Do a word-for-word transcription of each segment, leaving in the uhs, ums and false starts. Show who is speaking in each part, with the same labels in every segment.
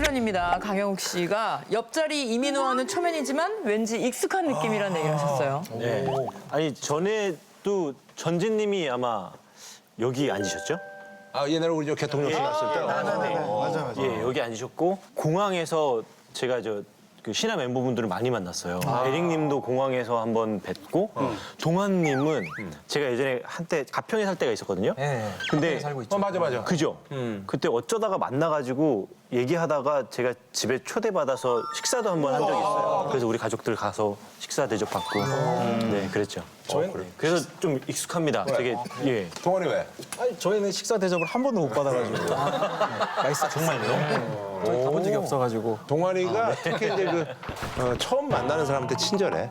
Speaker 1: 출연입니다. 강영욱 씨가 옆자리 이민호와는 초면이지만 왠지 익숙한 느낌이라는 얘기를 하셨어요.
Speaker 2: 네. 아니 전에도 전진님이 아마 여기 앉으셨죠?
Speaker 3: 아 옛날에 우리 저 개통령 씨 갔을 때.
Speaker 2: 네.
Speaker 4: 맞아, 맞아.
Speaker 2: 예, 여기 앉으셨고 공항에서 제가 저 그 신화 멤버분들을 많이 만났어요. 에릭님도 공항에서 한번 뵙고 동환님은 제가 예전에 한때 가평에 살 때가 있었거든요. 근데
Speaker 3: 어 맞아 맞아.
Speaker 2: 그죠? 그때 어쩌다가 만나가지고 얘기하다가 제가 집에 초대받아서 식사도 한번 한 적이 있어요. 그래서 우리 가족들 가서 식사 대접받고 네 그랬죠. 그래서 좀 익숙합니다. 되게 예.
Speaker 3: 동원이 왜?
Speaker 4: 아니, 저희는 식사 대접을 한 번도 못 받아가지고. 맛있어, 정말요? 저희 가본 적이 없어가지고.
Speaker 3: 동환이가 특히 이제 그 어, 처음 만나는 사람한테 친절해.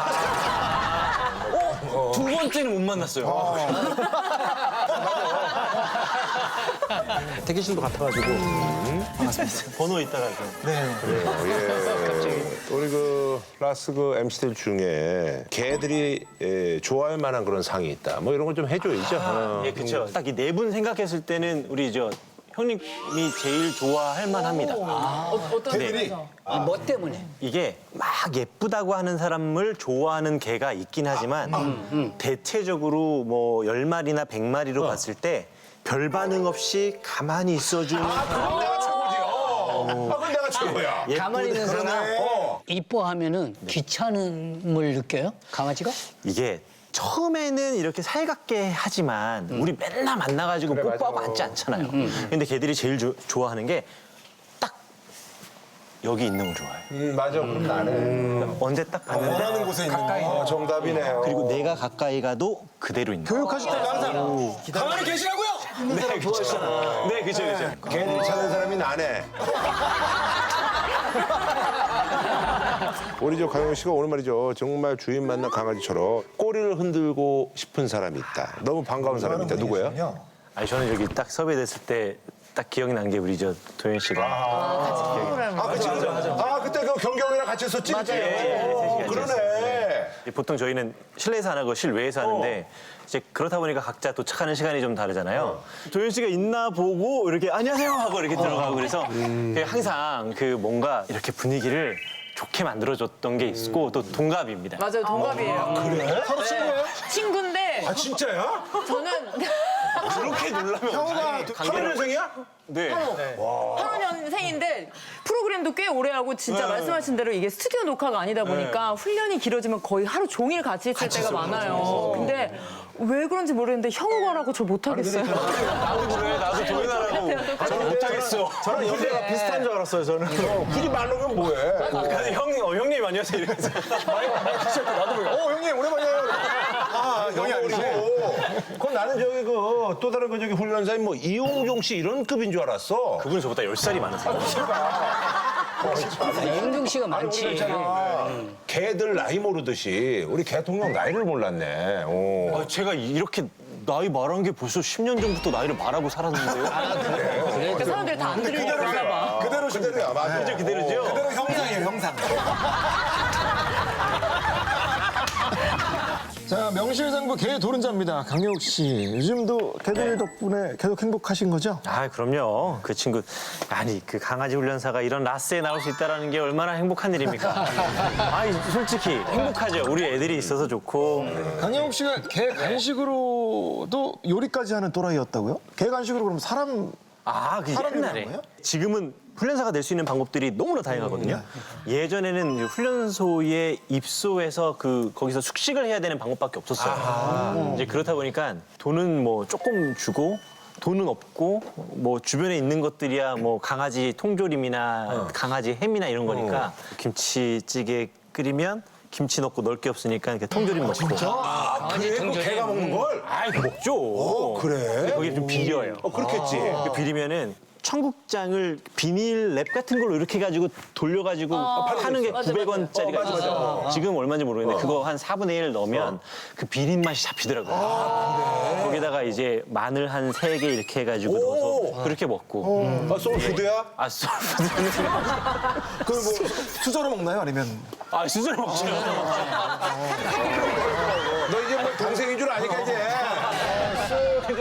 Speaker 2: 두 번째는 못 만났어요.
Speaker 4: 대기실도 같아가지고.
Speaker 2: 번호 있다가
Speaker 4: 네.
Speaker 3: 예. 우리 그 라스 그 엠씨들 중에 걔들이 예, 좋아할 만한 그런 상이 있다. 뭐 이런 걸 좀 해줘야죠. 어.
Speaker 2: 예, 그렇죠. 딱 이 네 분 생각했을 때는 우리 저 형님이 제일 좋아할 만합니다.
Speaker 1: 어떤 점에서?
Speaker 5: 뭐 때문에?
Speaker 2: 이게 막 예쁘다고 하는 사람을 좋아하는 개가 있긴 하지만 대체적으로 뭐 열 마리나 백 마리로 봤을 때 별 반응 없이 가만히 있어주는
Speaker 3: 그건 내가 최고지. 어. 아, 그건 내가 최고야.
Speaker 5: 가만히 있는 사람
Speaker 3: 어.
Speaker 5: 이뻐하면은 귀찮음을 느껴요? 강아지가?
Speaker 2: 이게 처음에는 이렇게 살갑게 하지만 우리 맨날 만나가지고 뽀뽀하고
Speaker 3: 맞아.
Speaker 2: 앉지 않잖아요. 근데 걔들이 제일 조- 좋아하는 게 딱 여기 있는 걸 좋아해요.
Speaker 3: 음, 맞아. 그럼 나네.
Speaker 2: 언제 딱 봤는데
Speaker 4: 원하는 곳에 있는 거.
Speaker 3: 어, 정답이네요.
Speaker 2: 그리고 내가 가까이 가도 그대로 있는 거예요.
Speaker 4: 교육하실 때 항상 가만히 계시라고요?
Speaker 2: 네, 그렇죠. 네, 그렇죠, 그렇죠.
Speaker 3: 걔들 찾는 사람이 나네. 우리 저 강영 씨가 오늘 말이죠. 정말 주인 만난 강아지처럼 꼬리를 흔들고 싶은 사람이 있다. 너무 반가운 사람이 있다. 누구예요?
Speaker 2: 아니 저는 여기 딱 섭외됐을 때 딱 기억이 난 게 우리 저 도현 씨가
Speaker 3: 아, 그치, 맞아, 맞아. 아, 그때 그 경경이랑 같이 했었지? 맞아요.
Speaker 2: 셋이 같이
Speaker 3: 그러네.
Speaker 2: 보통 저희는 실내에서 안 하고 실외에서 하는데 이제 그렇다 보니까 각자 도착하는 시간이 좀 다르잖아요. 도현 씨가 있나 보고 이렇게 안녕하세요 하고 이렇게 들어가고 그래서 그 항상 그 뭔가 이렇게 분위기를 좋게 만들어줬던 게 있고 또 동갑입니다.
Speaker 1: 맞아요, 동갑이에요.
Speaker 3: 그래?
Speaker 4: 서로 친구예요?
Speaker 1: 친구인데
Speaker 3: 아, 진짜야?
Speaker 1: 저는
Speaker 2: 그렇게 놀라면
Speaker 4: 형우가
Speaker 3: 팔 년생이야?
Speaker 2: 네.
Speaker 1: 팔 년생인데 프로그램도 꽤 오래 하고 진짜 말씀하신 대로 이게 스튜디오 녹화가 아니다 보니까 훈련이 길어지면 거의 하루 종일 같이 있을 때가 많아요. 근데 왜 그런지 모르겠는데 형우가라고 저 못하겠어요.
Speaker 2: 나도 그래, 나도 도현아라고 저는 못하겠어.
Speaker 4: 저랑 연배가 비슷한 줄 알았어요, 저는.
Speaker 3: 굳이 말로면 뭐해?
Speaker 2: 근데 형, 어, 형님 안녕하세요 이러면서
Speaker 4: 나도 모르겠어. 어, 형님, 오랜만이에요. 아, 형이 아니고.
Speaker 3: 그럼 나는 저기 그 또 다른 그 저기 훈련사인 뭐 이용종 씨 이런 급인 줄 알았어.
Speaker 2: 그분은 저보다 열 살이 많으세요.
Speaker 5: 이은경 씨가 많지.
Speaker 3: 개들 나이 모르듯이 우리 개통령 나이를 몰랐네. 어.
Speaker 2: 아, 제가 이렇게 나이 말한 게 벌써 십 년 전부터 나이를 말하고 살았는데요.
Speaker 1: 그러니까 사람들이 다 안 들리나 봐.
Speaker 3: 그대로 그대로야, 맞아.
Speaker 2: 그죠, 그대로죠?
Speaker 4: 그대로 형상이에요, 형상. 자, 명실상부 개 도른자입니다. 강영욱 씨. 요즘도 개들 덕분에 계속 행복하신 거죠?
Speaker 2: 아, 그럼요. 그 친구, 아니, 그 강아지 훈련사가 이런 라스에 나올 수 있다는 게 얼마나 행복한 일입니까? 아니, 솔직히 행복하죠. 우리 애들이 있어서 좋고.
Speaker 4: 강영욱 씨가 개 간식으로도 요리까지 하는 또라이였다고요? 개 간식으로 그럼 사람
Speaker 2: 아, 그
Speaker 4: 사람이
Speaker 2: 옛날에.
Speaker 4: 그런 거예요?
Speaker 2: 지금은 훈련사가 될 수 있는 방법들이 너무나 다양하거든요. 예전에는 훈련소에 입소해서 그 거기서 숙식을 해야 되는 방법밖에 없었어요. 이제 그렇다 보니까 돈은 뭐 조금 주고 돈은 없고 뭐 주변에 있는 것들이야 뭐 강아지 통조림이나 강아지 햄이나 이런 거니까 김치찌개 끓이면 김치 넣고 넣을 게 없으니까 이렇게 통조림 넣고.
Speaker 3: 아, 그래? 그 개가 먹는 걸?
Speaker 2: 아이, 그 먹죠. 어,
Speaker 3: 그래?
Speaker 2: 근데 거기 좀 비려요.
Speaker 3: 어, 그렇겠지.
Speaker 2: 그 비리면은 청국장을 비닐 랩 같은 걸로 이렇게 해가지고 돌려가지고 파는 게
Speaker 1: 맞아,
Speaker 2: 구백 원짜리가
Speaker 3: 맞아. 어, 맞아,
Speaker 2: 있어요. 지금 얼마인지 모르겠는데 그거 한 사분의 일 넣으면 그 비린 맛이 잡히더라고요. 거기다가 이제 마늘 한 세 개 이렇게 해가지고 넣어서 그렇게 먹고.
Speaker 3: 아, 소울푸드야?
Speaker 2: 아, 소울푸드는
Speaker 4: 그걸 뭐 수저로 먹나요? 아니면
Speaker 2: 아, 수저로 먹죠.
Speaker 3: 너 이제 뭐 동생인 줄 아니까 이제. 쓱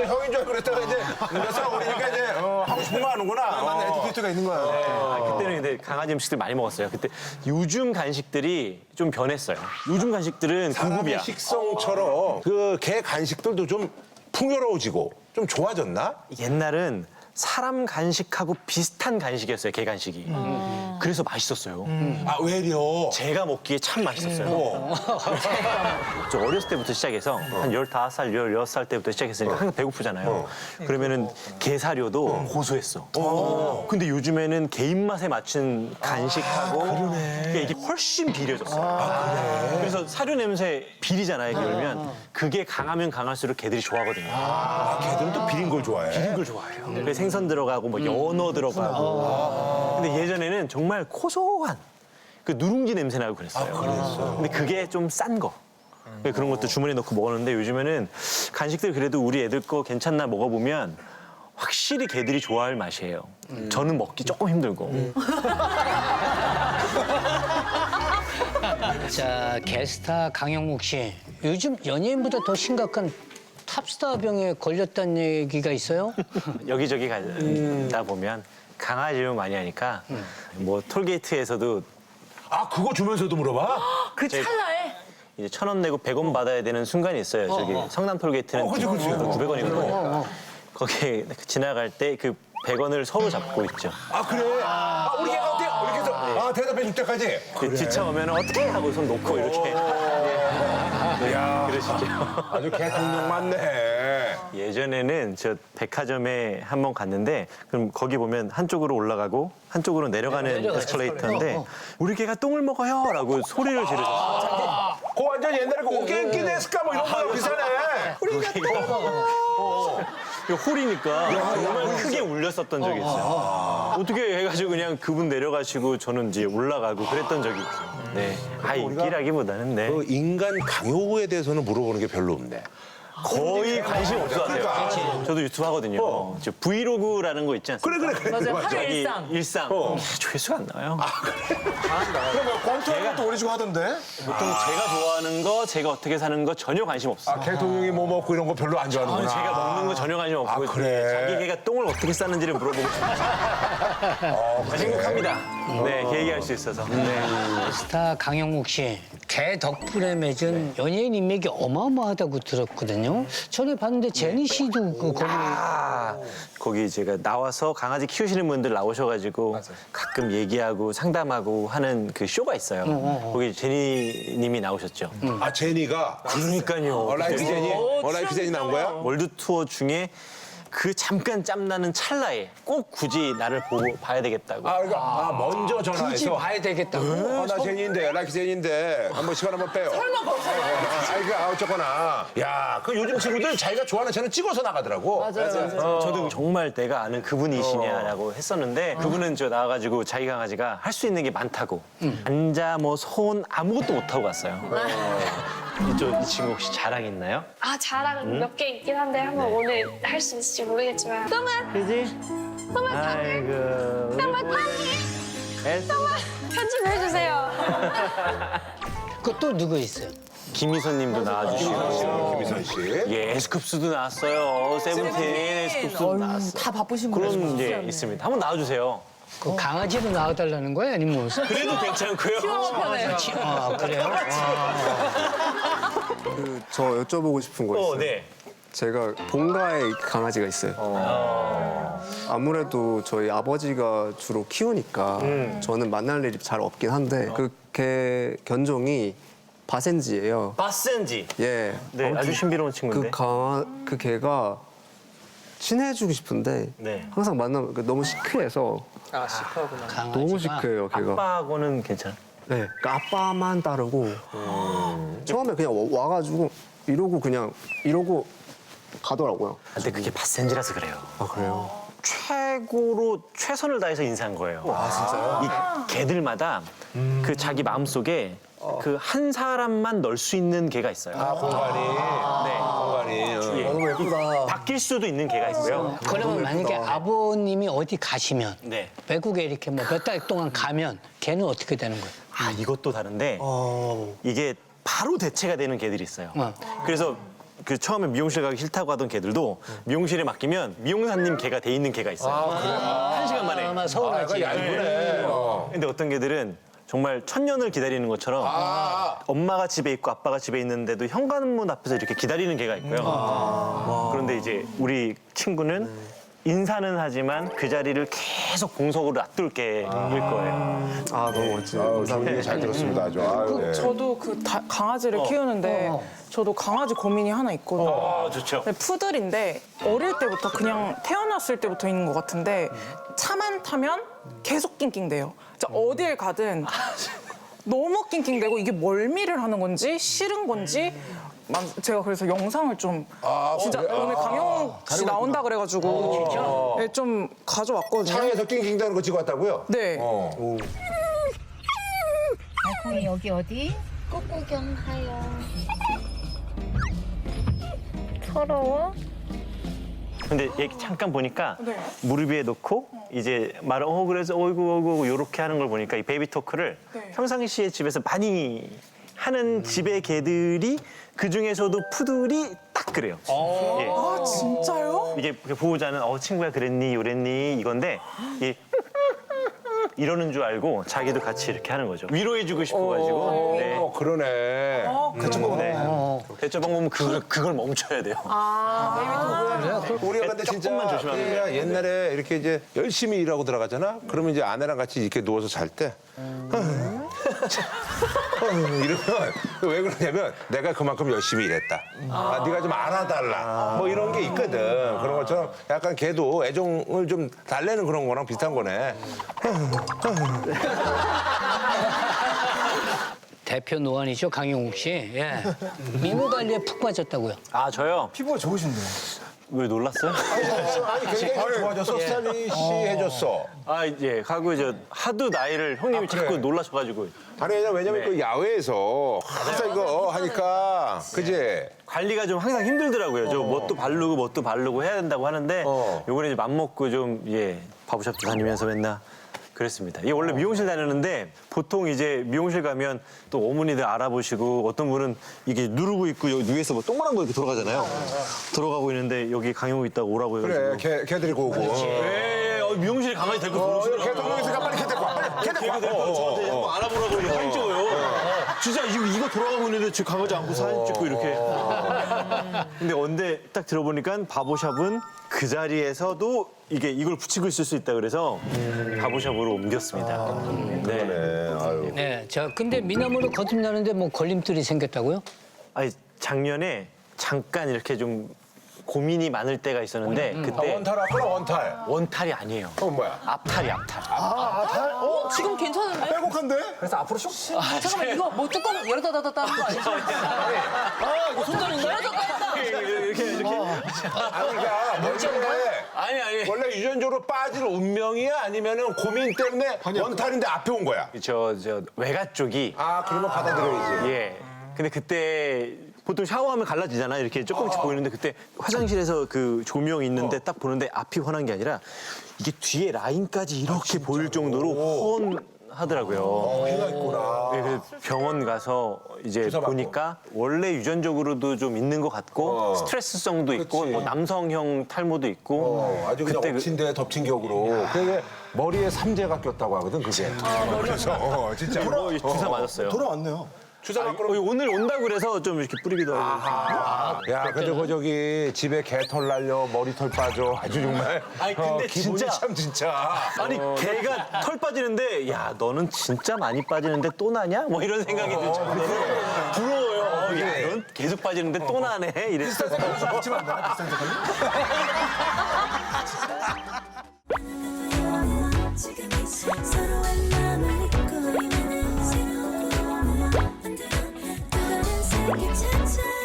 Speaker 3: 형인 줄 알고 그랬다가 이제 몇 살 어리니까 이제 어, 하고 싶은 거 하는구나.
Speaker 4: 맞네, 에티튜드가 있는 거야.
Speaker 2: 아, 그때는 근데 강아지 음식들 많이 먹었어요. 그때 요즘 간식들이 좀 변했어요. 요즘 간식들은
Speaker 3: 사람의
Speaker 2: 고급이야.
Speaker 3: 식성처럼 그 개 간식들도 좀 풍요로워지고 좀 좋아졌나?
Speaker 2: 옛날은 사람 간식하고 비슷한 간식이었어요, 개 간식이. 그래서 맛있었어요.
Speaker 3: 아 외려.
Speaker 2: 제가 먹기에 참 맛있었어요. 저 어렸을 때부터 시작해서 한 열다섯 살, 열여섯 살 때부터 시작했으니까 항상 배고프잖아요. 그러면은 게사료도 고소했어. 근데 요즘에는 개 입맛에 맞춘 간식하고 그러니까 이게 훨씬 비려졌어요. 그래서 사료 냄새 비리잖아요, 이게 열면. 그게 강하면 강할수록 개들이 좋아하거든요.
Speaker 3: 아 걔들은 또 비린 걸 좋아해.
Speaker 2: 비린 걸 좋아해요. 그래서 생선 들어가고 뭐 연어 들어가고. 근데 예전에는 정말 고소한 그 누룽지 냄새 나고 그랬어요. 근데 그게 좀 싼 거. 그런 것도 주머니에 넣고 먹었는데 요즘에는 간식들 그래도 우리 애들 거 괜찮나 먹어보면 확실히 개들이 좋아할 맛이에요. 저는 먹기 조금 힘들고.
Speaker 5: 자, 게스타 강영묵 씨. 요즘 연예인보다 더 심각한 탑스타병에 걸렸다는 얘기가 있어요?
Speaker 2: 여기저기 가다 보면 강아지를 많이 하니까 뭐 톨게이트에서도
Speaker 3: 아 그거 주면서도 물어봐?
Speaker 1: 그 찰나에
Speaker 2: 이제 천 원 내고 백 원 받아야 되는 순간이 있어요. 저기 성남 톨게이트는
Speaker 3: 어, 그치, 그치.
Speaker 2: 구백 원이거든요. 거기 지나갈 때 그 백 원을 서로 잡고 있죠.
Speaker 3: 아 그래? 아 우리 개가 어때? 이렇게 해서 아 대답해 줄 때까지.
Speaker 2: 그 지쳐오면 어떻게 하고 손 놓고 이렇게 네, 그러시죠.
Speaker 3: 아주 개 동력 많네.
Speaker 2: 예전에는 저 백화점에 한 번 갔는데 그럼 거기 보면 한쪽으로 올라가고 한쪽으로 내려가는
Speaker 5: 내려가요.
Speaker 2: 에스컬레이터인데
Speaker 5: 어, 어.
Speaker 2: 우리 개가 똥을 먹어요라고 소리를 지르셨어요.
Speaker 3: 그 완전 옛날에 그 오겐키 데스까 뭐 이런 거랑 비슷하네.
Speaker 2: 우리가 똥 그 홀이니까 정말 크게 울렸었던 적이 있어요. 어떻게 해가지고 그냥 그분 내려가시고 저는 이제 올라가고 그랬던 적이 있어요. 네, 아 인기라기보다는 네.
Speaker 3: 그 인간 강요에 대해서는 물어보는 게 별로 없네.
Speaker 2: 거의 관심 없어하세요. 저도 유튜브 하거든요. 저 브이로그라는 거 있지 않습니까?
Speaker 3: 그래 그래 그래.
Speaker 1: 맞아요. 하루
Speaker 2: 자기
Speaker 1: 일상.
Speaker 2: 일상.
Speaker 3: 어.
Speaker 2: 조회수가 안 나와요.
Speaker 4: 그럼 권투하는 것도 오래지고 하던데?
Speaker 2: 보통 제가 좋아하는 거, 제가 어떻게 사는 거 전혀 관심 없어요.
Speaker 3: 아, 개 동용이 뭐 먹고 이런 거 별로 안
Speaker 2: 아,
Speaker 3: 좋아하는구나.
Speaker 2: 제가 먹는 거 전혀 관심 없고
Speaker 3: 아, 그래?
Speaker 2: 자기 개가 똥을 어떻게 싸는지를 물어보고 싶어요.
Speaker 3: 어,
Speaker 2: 아, 행복합니다. 네, 그 얘기할 수 있어서. 네.
Speaker 5: 게스타 강영묵 씨. 개 덕분에 맺은 연예인 인맥이 어마어마하다고 들었거든요. 전에 봤는데 제니 씨도 그 거기
Speaker 2: 아, 거기 제가 나와서 강아지 키우시는 분들 나오셔가지고 가끔 얘기하고 상담하고 하는 그 쇼가 있어요. 거기 제니님이 나오셨죠.
Speaker 3: 아 제니가
Speaker 2: 그러니까요.
Speaker 3: 어, 라이프 제니, 어, 라이프 제니 나온 거야?
Speaker 2: 월드 투어 중에 그 잠깐 짬나는 찰나에 꼭 굳이 나를 보고 봐야 되겠다고.
Speaker 3: 아, 그러니까 아, 먼저
Speaker 5: 굳이
Speaker 3: 전화해서.
Speaker 5: 봐야 되겠다고.
Speaker 3: 아, 나 제니인데, 라이프 제니인데 한번 시간 한번 빼요. 설마 거기서? 아, 이거 아, 어쨌거나. 야, 그 요즘 친구들 자기가 좋아하는 채널 찍어서 나가더라고.
Speaker 1: 맞아요. 맞아요.
Speaker 2: 어, 저도 정말 내가 아는 그분이시냐라고 했었는데 그분은 저 나와가지고 자기 강아지가 할 수 있는 게 많다고 앉아 뭐 손 아무것도 못하고 갔어요. 이쪽 이 친구 혹시 자랑 있나요?
Speaker 6: 아 자랑 몇 개 있긴 한데 한번 오늘 할 수 있을지 모르겠지만 똥은
Speaker 2: 그지?
Speaker 6: 똥은
Speaker 2: 아이고.
Speaker 6: 똥은
Speaker 2: 애쓰-
Speaker 6: 편집해주세요.
Speaker 5: 그또 누구 있어요?
Speaker 2: 김희선님도 나와주시고
Speaker 3: 김희선 씨.
Speaker 2: 예, 에스쿱스도 나왔어요. 세븐틴 에스쿱스도
Speaker 1: 어휴,
Speaker 2: 나왔어요.
Speaker 1: 다 바쁘신 분들
Speaker 2: 그런 게
Speaker 1: 진짜.
Speaker 2: 있습니다. 한번 나와주세요.
Speaker 5: 그 강아지로 나와달라는 거야? 아니면 뭐?
Speaker 2: 그래도 괜찮고요.
Speaker 1: 편해요.
Speaker 5: 아, 그래요?
Speaker 7: 그 저 여쭤보고 싶은 거 있어요.
Speaker 2: 어, 네.
Speaker 7: 제가 본가에 강아지가 있어요. 아무래도 저희 아버지가 주로 키우니까
Speaker 2: 음.
Speaker 7: 저는 만날 일이 잘 없긴 한데 그 개 견종이 바센지예요.
Speaker 2: 바센지.
Speaker 7: 예.
Speaker 2: 네,
Speaker 7: 아무튼
Speaker 2: 아주 신비로운 친구인데.
Speaker 7: 그 강아 그 개가 친해지고 싶은데
Speaker 2: 네.
Speaker 7: 항상 만나면 그 너무 시크해서
Speaker 5: 강아지가.
Speaker 7: 너무 시크해요 개가.
Speaker 2: 아빠하고는 괜찮아.
Speaker 7: 네, 그러니까 아빠만 따르고
Speaker 2: 음.
Speaker 7: 처음에 그냥 와- 와가지고 이러고 그냥 이러고 가더라고요.
Speaker 2: 근데 그게 바센지라서 그래요.
Speaker 7: 아 그래요?
Speaker 2: 최고로 최선을 다해서 인사한 거예요. 아, 진짜요? 이 개들마다 그 자기 마음속에 그 한 사람만 넣을 수 있는 개가 있어요.
Speaker 3: 아, 공간이.
Speaker 2: 네.
Speaker 3: 공간이.
Speaker 2: 예.
Speaker 7: 너무 예쁘다.
Speaker 2: 바뀔 수도 있는 개가 있고요.
Speaker 5: 그러면 만약에 아버님이 어디 가시면
Speaker 2: 네.
Speaker 5: 외국에 이렇게 뭐 몇 달 동안 가면 걔는 어떻게 되는 거예요?
Speaker 2: 아, 이것도 다른데 이게 바로 대체가 되는 개들이 있어요.
Speaker 5: 어.
Speaker 2: 그래서 그 처음에 미용실 가기 싫다고 하던 개들도 미용실에 맡기면 미용사님 개가 돼 있는 개가 있어요. 한 시간 만에.
Speaker 5: 아마 서운하지.
Speaker 3: 얇네. 어.
Speaker 2: 근데 어떤 개들은 정말 천년을 기다리는 것처럼 엄마가 집에 있고 아빠가 집에 있는데도 현관문 앞에서 이렇게 기다리는 개가 있고요. 그런데 이제 우리 친구는 인사는 하지만 그 자리를 계속 공석으로 놔둘 개일 거예요.
Speaker 7: 아 너무 멋지네요.
Speaker 3: 아유,
Speaker 7: 감사합니다.
Speaker 3: 얘기 잘 들었습니다. 아주. 아유, 네.
Speaker 8: 저도 그 다- 강아지를 키우는데 저도 강아지 고민이 하나 있거든요.
Speaker 2: 아, 좋죠.
Speaker 8: 근데 푸들인데 어릴 때부터 그냥 태어났을 때부터 있는 것 같은데 차만 타면 계속 낑낑대요. 진짜 어딜 가든 너무 낑낑대고 이게 멀미를 하는 건지 싫은 건지 막 제가 그래서 영상을 좀 진짜 오늘 강영욱 씨 나온다 그래가지고 네, 좀 가져왔거든요.
Speaker 3: 차에서 낑낑대는 거 찍어왔다고요?
Speaker 8: 네.
Speaker 3: 어.
Speaker 9: 달콩이 여기 어디? 꽃구경 가요. 서러워?
Speaker 2: 근데 얘 잠깐 보니까
Speaker 8: 네.
Speaker 2: 무릎 위에 놓고 이제 말을 어 그래서 어이구 어이구 요렇게 하는 걸 보니까 이 베이비 토크를
Speaker 8: 네.
Speaker 2: 평상시에 집에서 많이 하는 집의 개들이 그 중에서도 푸들이 딱 그래요. 예.
Speaker 8: 아 진짜요?
Speaker 2: 이게 보호자는 어 친구야 그랬니 요랬니 이건데 이 이러는 줄 알고 자기도 같이 이렇게 하는 거죠. 위로해주고 싶어가지고. 네.
Speaker 3: 어, 그러네.
Speaker 2: 네. 대처 방법은 그, 그걸 멈춰야 돼요.
Speaker 3: 우리가 근데 진짜
Speaker 2: 조금만 조심하면 돼요.
Speaker 3: 그냥 옛날에 이렇게 이제 열심히 일하고 들어가잖아. 그러면 이제 아내랑 같이 이렇게 누워서 잘 때. 이러면 왜 그러냐면 내가 그만큼 열심히 일했다. 아, 네가 좀 알아달라. 뭐 이런 게 있거든. 그런 것처럼 약간 걔도 애정을 좀 달래는 그런 거랑 비슷한 거네.
Speaker 5: 대표 노안이죠, 강영욱 씨. 예. 미모 관리에 푹 빠졌다고요.
Speaker 2: 아 저요?
Speaker 4: 피부가 좋으신데요.
Speaker 2: 왜 놀랐어요?
Speaker 3: 아니 굉장히 좋아졌어. 스타일리시 해줬어.
Speaker 2: 아 예. 하고 이제 하도 나이를 형님이
Speaker 3: 아, 그래?
Speaker 2: 자꾸 놀라셔가지고
Speaker 3: 아니 왜냐면, 왜냐면
Speaker 2: 네.
Speaker 3: 그 야외에서 항상 이거 하니까 그지?
Speaker 2: 관리가 좀 항상 힘들더라고요. 저 뭣도 바르고 뭣도 바르고 해야 된다고 하는데
Speaker 3: 어.
Speaker 2: 요번에 이제 맘먹고 좀 예 바보샵도 다니면서 맨날 그랬습니다. 이게 원래 미용실 다녔는데 보통 이제 미용실 가면 또 어머니들 알아보시고 어떤 분은 이게 누르고 있고 여기 위에서 뭐 동그란 거 이렇게 돌아가잖아요. 들어가고 있는데 여기 강영욱 있다가 오라고 해가지고.
Speaker 3: 그래, 걔, 걔들이 오고.
Speaker 2: 예, 어, 미용실에 강아지 데리고
Speaker 3: 어,
Speaker 2: 들어오시더라고요.
Speaker 3: 걔 동영상가 빨리 걔 데리고 와. 빨리 걔 데리고 와.
Speaker 2: 데리고
Speaker 3: 어,
Speaker 2: 저한테
Speaker 3: 어,
Speaker 2: 자꾸
Speaker 3: 어.
Speaker 2: 알아보라고 이렇게 사진 찍어요. 진짜 이거, 이거 돌아가고 있는데 저 강아지 안고 사진 찍고 이렇게. 근데 언제 딱 들어보니까 바보샵은 그 자리에서도 이게 이걸 붙이고 있을 수 있다 그래서 바보샵으로 옮겼습니다. 네.
Speaker 3: 네, 아유.
Speaker 5: 네. 자, 근데 미남으로 거듭나는데 뭐 걸림돌이 생겼다고요?
Speaker 2: 아니 작년에 잠깐 이렇게 좀 고민이 많을 때가 있었는데
Speaker 3: 아,
Speaker 2: 그때
Speaker 3: 원탈 왔구나, 원탈.
Speaker 2: 원탈이 아니에요.
Speaker 3: 그건 뭐야?
Speaker 2: 앞탈이 앞탈.
Speaker 1: 어, 지금 괜찮은데?
Speaker 4: 빼곡한데? 그래서 앞으로 슉.
Speaker 1: 잠깐만 이거 뭐 뚜껑 열었다 닫았다 하는 거 아니죠? 아 이거 손잡인가요?
Speaker 2: 이렇게 이렇게.
Speaker 3: 아, 그러니까 원래,
Speaker 2: 아니 아니.
Speaker 3: 원래 유전적으로 빠질 운명이야? 아니면은 고민 때문에 원탈인데 앞에 온 거야?
Speaker 2: 저 저 외가 쪽이
Speaker 3: 아, 그러면 받아들여야지.
Speaker 2: 예. 근데 그때 보통 샤워하면 갈라지잖아요. 이렇게 조금씩 보이는데 그때 화장실에서 그 조명 있는데 딱 보는데 앞이 환한 게 아니라 이게 뒤에 라인까지 이렇게 보일 정도로 훤하더라고요.
Speaker 3: 피가 있구나.
Speaker 2: 네, 그래서 병원 가서 이제
Speaker 3: 주사 맞고.
Speaker 2: 보니까 원래 유전적으로도 좀 있는 것 같고
Speaker 3: 어.
Speaker 2: 스트레스성도 있고
Speaker 3: 그치.
Speaker 2: 뭐 남성형 탈모도 있고
Speaker 3: 어, 아주 그냥
Speaker 2: 그때 그-
Speaker 3: 엎친 데 덮친 격으로. 그게 머리에 삼재가 꼈다고 하거든, 그게. 그래서, 어, 진짜.
Speaker 2: 어, 주사 맞았어요.
Speaker 4: 돌아왔네요.
Speaker 3: 주사 맞고.
Speaker 2: 어, 오늘 온다고 그래서 좀 이렇게 뿌리기도 하고.
Speaker 3: 야, 근데 그 저기 집에 개털 날려 머리털 빠져 아주 정말.
Speaker 2: 아니, 근데
Speaker 3: 어, 기분이
Speaker 2: 진짜-
Speaker 3: 참 진짜.
Speaker 2: 아니 걔가 털 빠지는데 야 너는 진짜 많이 빠지는데 또 나냐? 뭐 이런 생각이 들 정도로 부러워요. 어, 야, 넌 계속 빠지는데 또 나네 이랬어.
Speaker 4: 붙이면 안 되나? 비싼 색깔로?
Speaker 9: 서로의 마음을 잊고 있는 새로운 꿈을 만들어 또 다른 세계 찾아